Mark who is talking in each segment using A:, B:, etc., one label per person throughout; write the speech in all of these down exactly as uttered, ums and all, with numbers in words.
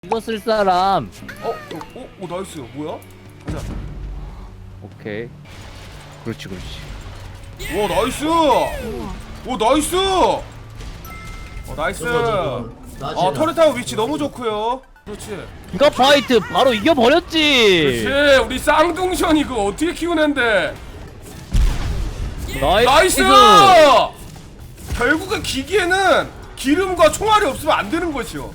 A: 이거 쓸 사람.
B: 어? 어? 어? 오 나이스. 뭐야? 가자.
A: 오케이. 그렇지 그렇지.
B: 와 나이스. 오 나이스. 어 나이스. 아 터렛타워 위치 너무 좋고요. 그렇지.
A: 이거 파이트 바로 이겨버렸지.
B: 그렇지. 우리 쌍둥션 이거 어떻게 키우는데?
A: 나이스.
B: 나이스. 결국에 기기에는 기름과 총알이 없으면 안 되는 것이요.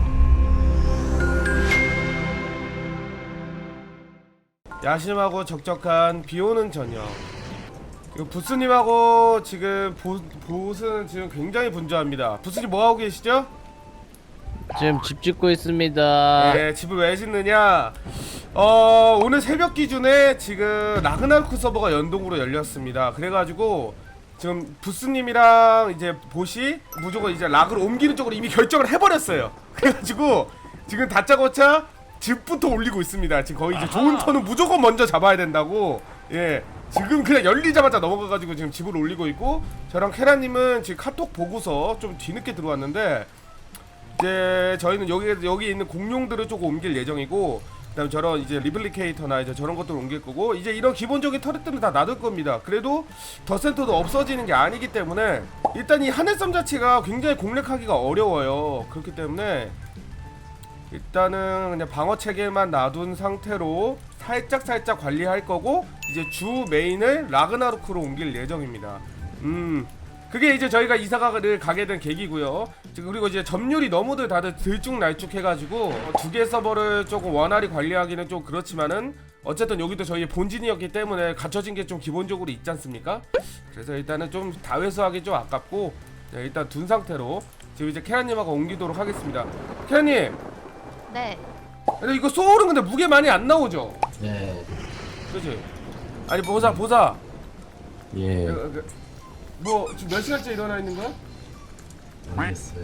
B: 야심하고 적적한 비오는 저녁. 이거 부스님하고 지금 보, 보스는 지금 굉장히 분주합니다. 부스님 뭐하고 계시죠?
A: 지금 집 짓고 있습니다.
B: 네, 집을 왜 짓느냐? 어, 오늘 새벽 기준에 지금 라그나로크 서버가 연동으로 열렸습니다. 그래가지고 지금 부스님이랑 이제 보시 무조건 이제 락으로 옮기는 쪽으로 이미 결정을 해버렸어요. 그래가지고 지금 다짜고짜 집부터 올리고 있습니다. 지금 거의 이제 좋은 턴은 무조건 먼저 잡아야 된다고. 예, 지금 그냥 열리자마자 넘어가가지고 지금 집을 올리고 있고, 저랑 케라님은 지금 카톡 보고서 좀 뒤늦게 들어왔는데, 이제 저희는 여기 여기 있는 공룡들을 조금 옮길 예정이고, 그다음에 저런 이제 리플리케이터나 이제 저런 것들을 옮길 거고, 이제 이런 기본적인 터렛들은 다 놔둘 겁니다. 그래도 더 센터도 없어지는 게 아니기 때문에 일단 이 하늘섬 자체가 굉장히 공략하기가 어려워요. 그렇기 때문에 일단은 그냥 방어 체계만 놔둔 상태로 살짝 살짝 관리할 거고, 이제 주 메인을 라그나로크로 옮길 예정입니다. 음, 그게 이제 저희가 이사가를 가게 된 계기고요. 지금 그리고 이제 점유율이 너무들 다들 들쭉날쭉 해가지고 두 개 서버를 조금 원활히 관리하기는 좀 그렇지만은 어쨌든 여기도 저희의 본진이었기 때문에 갖춰진 게 좀 기본적으로 있지 않습니까? 그래서 일단은 좀 다회수하기 좀 아깝고, 네, 일단 둔 상태로 지금 이제 케라님하고 옮기도록 하겠습니다. 케라님.
C: 네.
B: 근데 이거 소울은 근데 무게 많이 안 나오죠?
D: 네.
B: 그치? 아니 보사 보사.
D: 예.
B: 그, 그, 뭐 지금 몇 시간째 일어나 있는 거야?
D: 알겠어요.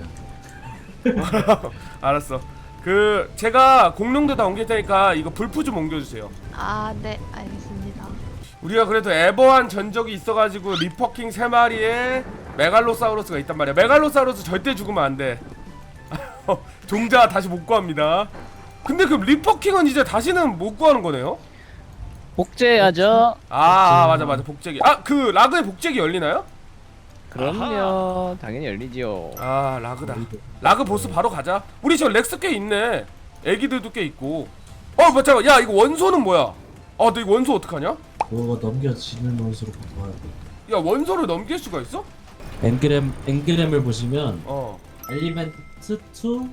B: 알았어. 그 제가 공룡도 다 옮길 테니까 이거 불프 좀 옮겨주세요.
C: 아, 네, 알겠습니다.
B: 우리가 그래도 에버한 전적이 있어가지고 리퍼킹 세 마리에 메갈로사우루스가 있단 말이야. 메갈로사우루스 절대 죽으면 안 돼. 종자 다시 못 구합니다. 근데 그 리퍼킹은 이제 다시는 못 구하는 거네요?
A: 복제해야죠.
B: 아, 아 맞아 맞아 복제기. 아 그 라그의 복제기 열리나요?
A: 그럼요. 당연히 열리지요.
B: 아 라그다. 라그 보스 바로 가자. 우리 저 렉스 꽤 있네. 애기들도 꽤 있고. 어 맞아. 야 이거 원소는 뭐야? 아 너 이거 원소 어떡하냐?
D: 그거 넘겨지는 원수로 바꿔야 돼.
B: 야 원소를 넘길 수가 있어?
D: 엔그램 엔그램을 보시면
B: 어.
D: 엘리멘트 투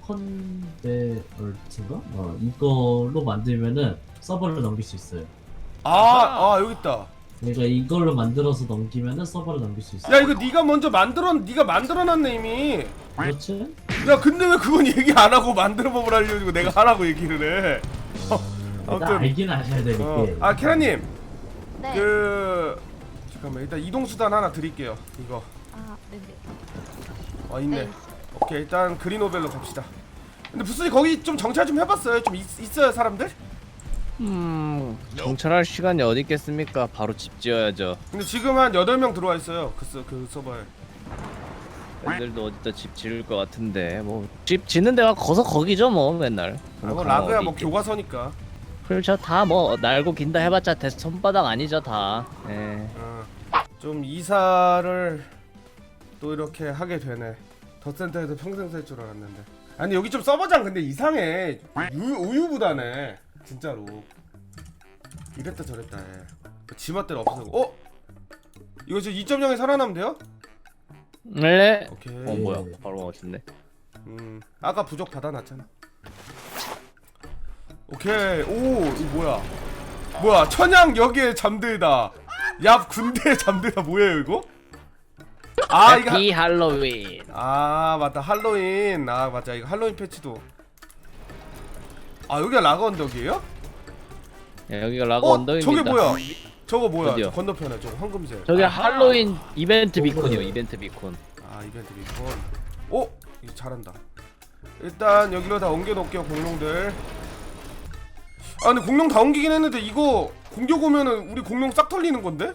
D: 컨베얼트인가? 어 이걸로 만들면은 서버를 넘길 수 있어요.
B: 아, 아 여기 있다.
D: 그러니까 이걸로 만들어서 넘기면은 서버를 넘길 수 있어요.
B: 야 이거 네가 먼저 만들어, 네가 만들어놨네 이미.
D: 그렇지?
B: 야 근데 왜 그건 얘기 안 하고 만들어 보면 알려주고 내가 하라고 얘기를 해?
D: 어,
B: 아무튼.
D: 일단 알긴 아셔야 되니까.
B: 어. 아 케라님,
C: 네.
B: 그 잠깐만 일단 이동 수단 하나 드릴게요. 이거.
C: 아, 네네.
B: 아 있네.
C: 네.
B: 오케이 일단 그린오벨로 갑시다. 근데 부스님 거기 좀 정찰 좀 해봤어요? 좀 있, 있어요 사람들?
A: 음, 정찰할 시간이 어디 있겠습니까? 바로 집 지어야죠.
B: 근데 지금 한 여덟 명 들어와 있어요. 그, 서, 그 서버에.
A: 애들도 어디다 집 지을 것 같은데 뭐 집 짓는 데가 거서 거기죠 뭐 맨날.
B: 아, 뭐
A: 가면
B: 라그야
A: 어디
B: 뭐
A: 있겠-
B: 교과서니까.
A: 그렇죠. 다 뭐 날고 긴다 해봤자 대 손바닥 아니죠 다. 예.
B: 어. 좀 이사를 또 이렇게 하게 되네. 덧센터에서 평생 살 줄 알았는데. 아니 여기 좀 서버장 근데 이상해. 유, 우유부단해 진짜로. 이랬다 저랬다 해. 지맛대로 없어지고. 어? 이거 지금 이 점 영에 살아나면 돼요?
A: 네.
B: 오케이.
A: 어 뭐야? 바로 멋있네.
B: 음 아까 부적 받아놨잖아. 오케이. 오 이거 뭐야? 뭐야 천양 여기에 잠들다. 얍 군대에 잠들다 뭐예요 이거? 아 이거
A: 해피 할로윈.
B: 아 맞다 할로윈. 아 맞아 이거 할로윈 패치도. 아 여기가 라그 언덕이에요?
A: 야, 여기가 라그
B: 어
A: 언덕입니다.
B: 저게 뭐야? 저거 뭐야?
A: 어디요?
B: 저 건너편에 저거 황금색.
A: 저게
B: 아하.
A: 할로윈 이벤트
D: 어,
A: 비콘이요.
D: 그래.
A: 이벤트 비콘.
B: 아 이벤트 비콘. 오 이거 잘한다. 일단 여기로 다 옮겨놓을게요 공룡들. 아 근데 공룡 다 옮기긴 했는데 이거 공격 오면은 우리 공룡 싹 털리는 건데?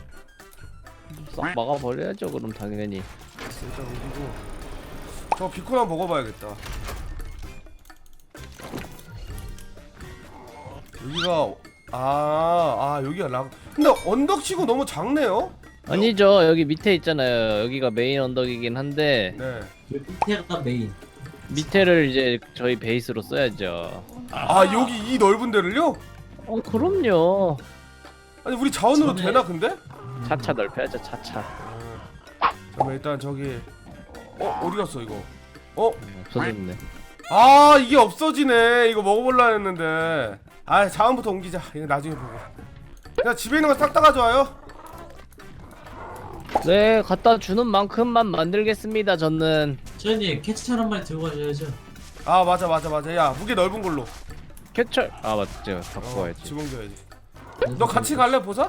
A: 싹 막아버려야죠. 그럼 당연히.
B: 일단 옮기고 저 비콘 한번 먹어봐야겠다. 여기가 아, 아 여기가 락. 근데 언덕치고 너무 작네요.
A: 아니죠. 여기 밑에 있잖아요. 여기가 메인 언덕이긴 한데
B: 네.
D: 여기 밑에가 메인.
A: 밑에를 이제 저희 베이스로 써야죠.
B: 아 여기 이 넓은 데를요?
A: 어 그럼요.
B: 아니 우리 자원으로
D: 전에-
B: 되나 근데?
A: 차차 넓혀야죠. 차차.
B: 잠깐 일단 저기 어 어디 갔어 이거? 어?
A: 없어졌네.
B: 아 이게 없어지네. 이거 먹어볼라 했는데. 아 자원부터 옮기자. 이거 나중에 보고. 야 집에 있는 거 싹 다 가져와요.
A: 네 갖다 주는 만큼만 만들겠습니다. 저는
D: 저희님 캐치찬 한 마리 들고 가셔야죠.
B: 아 맞아 맞아 맞아. 야 무게 넓은 걸로.
A: 캐철 아 맞죠. 갖고
B: 어,
A: 와야지.
B: 집 옮겨야지. 너 같이 갈래 보사?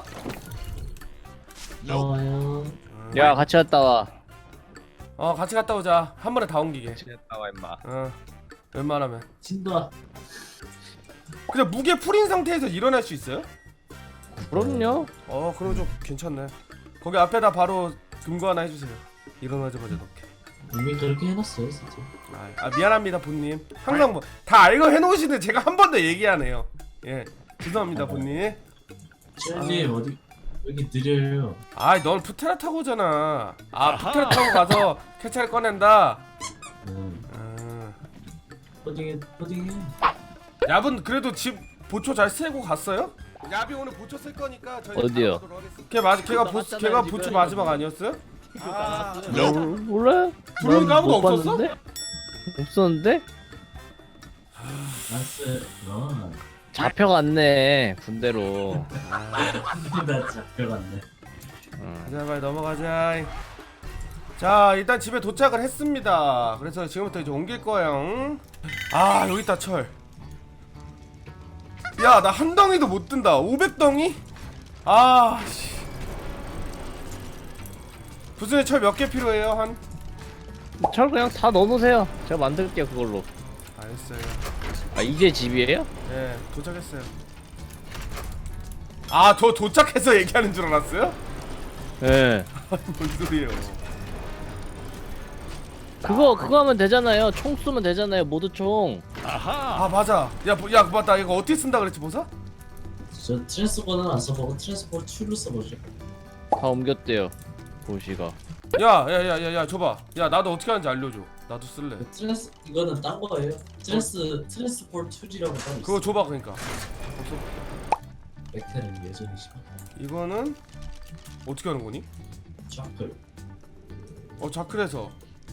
D: 좋아요.
A: 야 같이 갔다 와.
B: 어 같이 갔다 오자. 한 번에 다 옮기게.
A: 같이 갔다 와 임마.
B: 어 웬만하면.
D: 진도아.
B: 그냥 무게 풀인 상태에서 일어날 수 있어요?
A: 그럼요.
B: 어 그럼 좀 괜찮네. 거기 앞에다 바로 금고 하나 해주세요. 일어나자마자 넣게.
D: 이미 그렇게 해놨어요, 진짜.
B: 아, 아 미안합니다 본님. 항상 뭐 다 알고 해놓으시는데 제가 한 번 더 얘기하네요. 예 죄송합니다 본님.
D: 저희님 어디 여기 느려요.
B: 아넌 푸테라 타고 오잖아. 아 푸테라 타고 가서 캐차를 꺼낸다.
D: 음.
B: 아,
D: 퍼딩해, 퍼딩해.
B: 야분 그래도 집 보초 잘 세고 갔어요? 야비 오늘 보초 쓸 거니까 저희
A: 어디요?
B: 걔 맞, 걔가 보,
A: 나갔잖아요,
B: 걔가
A: 지금.
B: 보초 마지막 아니었어요? 아,
A: 뭘 몰라요?
B: 들어오니까
A: 난
B: 아무도
A: 못
B: 없었어?
A: 봤는데? 없었는데?
D: 나스, 넌.
A: 잡혀갔네 군대로.
D: 나 잡혀갔네.
A: 어.
B: 가자 빨리 넘어가자. 자 일단 집에 도착을 했습니다. 그래서 지금부터 이제 옮길 거예요. 아 여기 있다 철. 야 나 한 덩이도 못 든다. 오백 덩이? 아 씨. 부순이 철 몇 개 필요해요 한?
A: 철 그냥 다 넣어놓으세요. 제가 만들게요 그걸로.
B: 알겠어요.
A: 아 이게 집이에요?
B: 네 도착했어요. 아 저 도착해서 얘기하는 줄 알았어요?
A: 예.
B: 뭔 소리예요?
A: 그거 그거 하면 되잖아요. 총 쏘면 되잖아요. 모두 총.
B: 아 맞아. 야, 뭐- 야 맞다. 이거 어떻게 쓴다 그랬지 보사?
D: 저 트랜스포는 안 써보고 트랜스포 이로 써보죠.
A: 다 옮겼대요. 보시가.
B: 야야야야야 줘봐. 야 나도 어떻게 하는지 알려줘. 나도 쓸래.
D: 그 트랜스 이거는 딴 거예요. 트랜스 트랜스포 이라고 따로
B: 그거
D: 있어.
B: 줘봐 그러니까.
D: 벡터는 예전이시고.
B: 이거는 어떻게 하는 거니?
D: 좌클.
B: 어 자클에서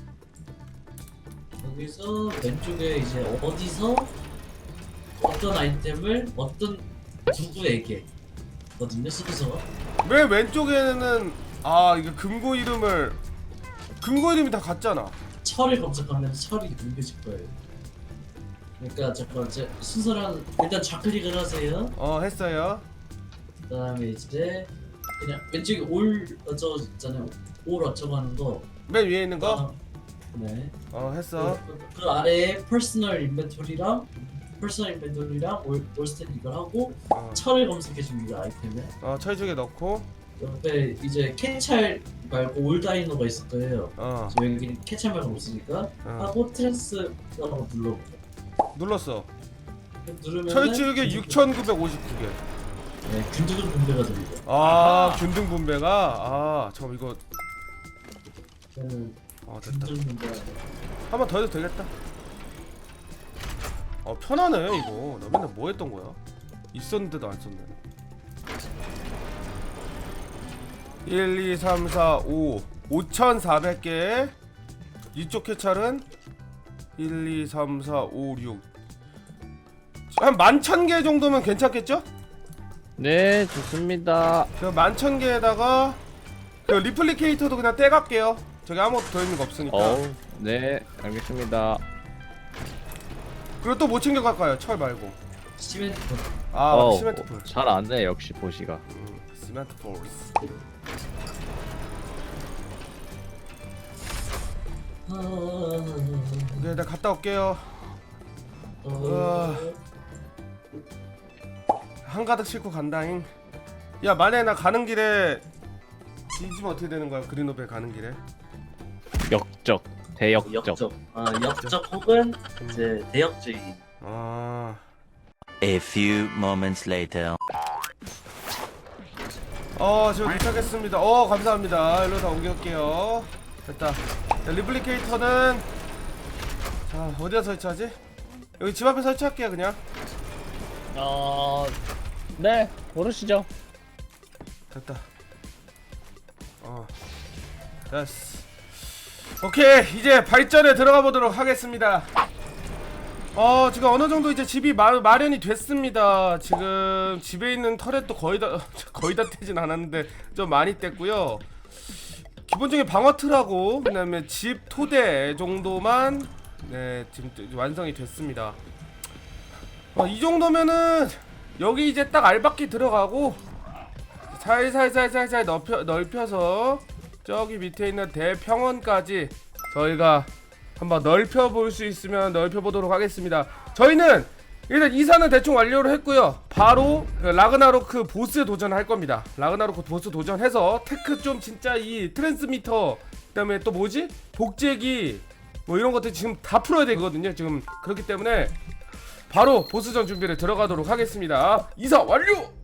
D: 여기서 왼쪽에 이제 어디서 어떤 아이템을 어떤 누구에게 거든요 순서.
B: 맨 왼쪽에는 아 이게 금고 이름을 금고 이름이 다 같잖아.
D: 철을 검색하면 철이 num겨질 거예요. 그러니까 첫 번째 순서랑 일단 좌클릭을 하세요.
B: 어 했어요.
D: 그다음에 이제 그냥 왼쪽에 올 어쩌고 있잖아요. 올 어쩌고 하는 거.
B: 맨 위에 있는 거?
D: 그다음- 네.
B: 어 했어.
D: 그, 그, 그 아래에 퍼스널 인벤토리랑 퍼스널 인벤토리랑 올 올스탠 이걸 하고
B: 어,
D: 철을 검색해 줍니다 아이템에.
B: 어 철쭉에 넣고
D: 옆에 이제 캐찰 말고 올다이너가 있을 거예요.
B: 어,
D: 저 여기 캐찰 말고 없으니까
B: 어.
D: 하고 트랜스라고 눌러보죠.
B: 눌렀어.
D: 누르면
B: 철쭉에 육천구백오십구 개.
D: 네, 균등 분배가 됩니다.
B: 아 균등 분배가 아 잠깐 이거
D: 저는
B: 어 됐다.
D: 균등 분배.
B: 한 번 더 해도 되겠다. 어 편하네 이거. 나 맨날 뭐 했던 거야? 있었는데도 안 썼네. 일, 이, 삼, 사, 오 오천사백 개. 이쪽 캐찰은 일, 이, 삼, 사, 오, 육 한 만천 개 정도면 괜찮겠죠?
A: 네 좋습니다.
B: 그 만천 개에다가 그 리플리케이터도 그냥 떼갈게요. 저기 아무것도 더 있는 거 없으니까.
A: 어우 네 알겠습니다.
B: 그리고 또 뭐 챙겨갈까요? 철 말고.
D: 시멘트.
B: 아
A: 어우,
B: 시멘트 풀.
A: 잘 안돼 역시 보시가.
B: 음, 시멘트 폴스.
D: 아,
B: 오케이 일단 갔다 올게요.
D: 어,
B: 한가득 싣고 간다잉. 야 만약에 나 가는 길에 뒤지면 어떻게 되는 거야? 그린오벨 가는 길에.
A: 역적 대역적.
D: 역적. 아 역적 혹은 이제 대역죄인.
B: 아
E: A few moments later.
B: 어 지금 도착했습니다. 어 감사합니다. 일로 다 옮겨올게요. 됐다. 자, 리플리케이터는 자 어디다 설치하지? 여기 집 앞에 설치할게요 그냥.
A: 어... 네 모르시죠.
B: 됐다. 어 됐어. 오케이 이제 발전에 들어가 보도록 하겠습니다. 어 지금 어느 정도 이제 집이 마, 마련이 됐습니다. 지금 집에 있는 터렛도 거의 다 거의 다 떼진 않았는데 좀 많이 뗐고요. 기본적인 방어 틀하고 그다음에 집 토대 정도만 네 지금 완성이 됐습니다. 어, 이 정도면은 여기 이제 딱 알바끼 들어가고 살살살살살 넓혀, 넓혀서 저기 밑에 있는 대평원까지 저희가 한번 넓혀 볼 수 있으면 넓혀 보도록 하겠습니다. 저희는 일단 이사는 대충 완료를 했고요. 바로 라그나로크 보스 도전할 겁니다. 라그나로크 보스 도전해서 테크 좀 진짜 이 트랜스미터 그다음에 또 뭐지? 복제기 뭐 이런 것들 지금 다 풀어야 되거든요. 지금 그렇기 때문에 바로 보스전 준비를 들어가도록 하겠습니다. 이사 완료!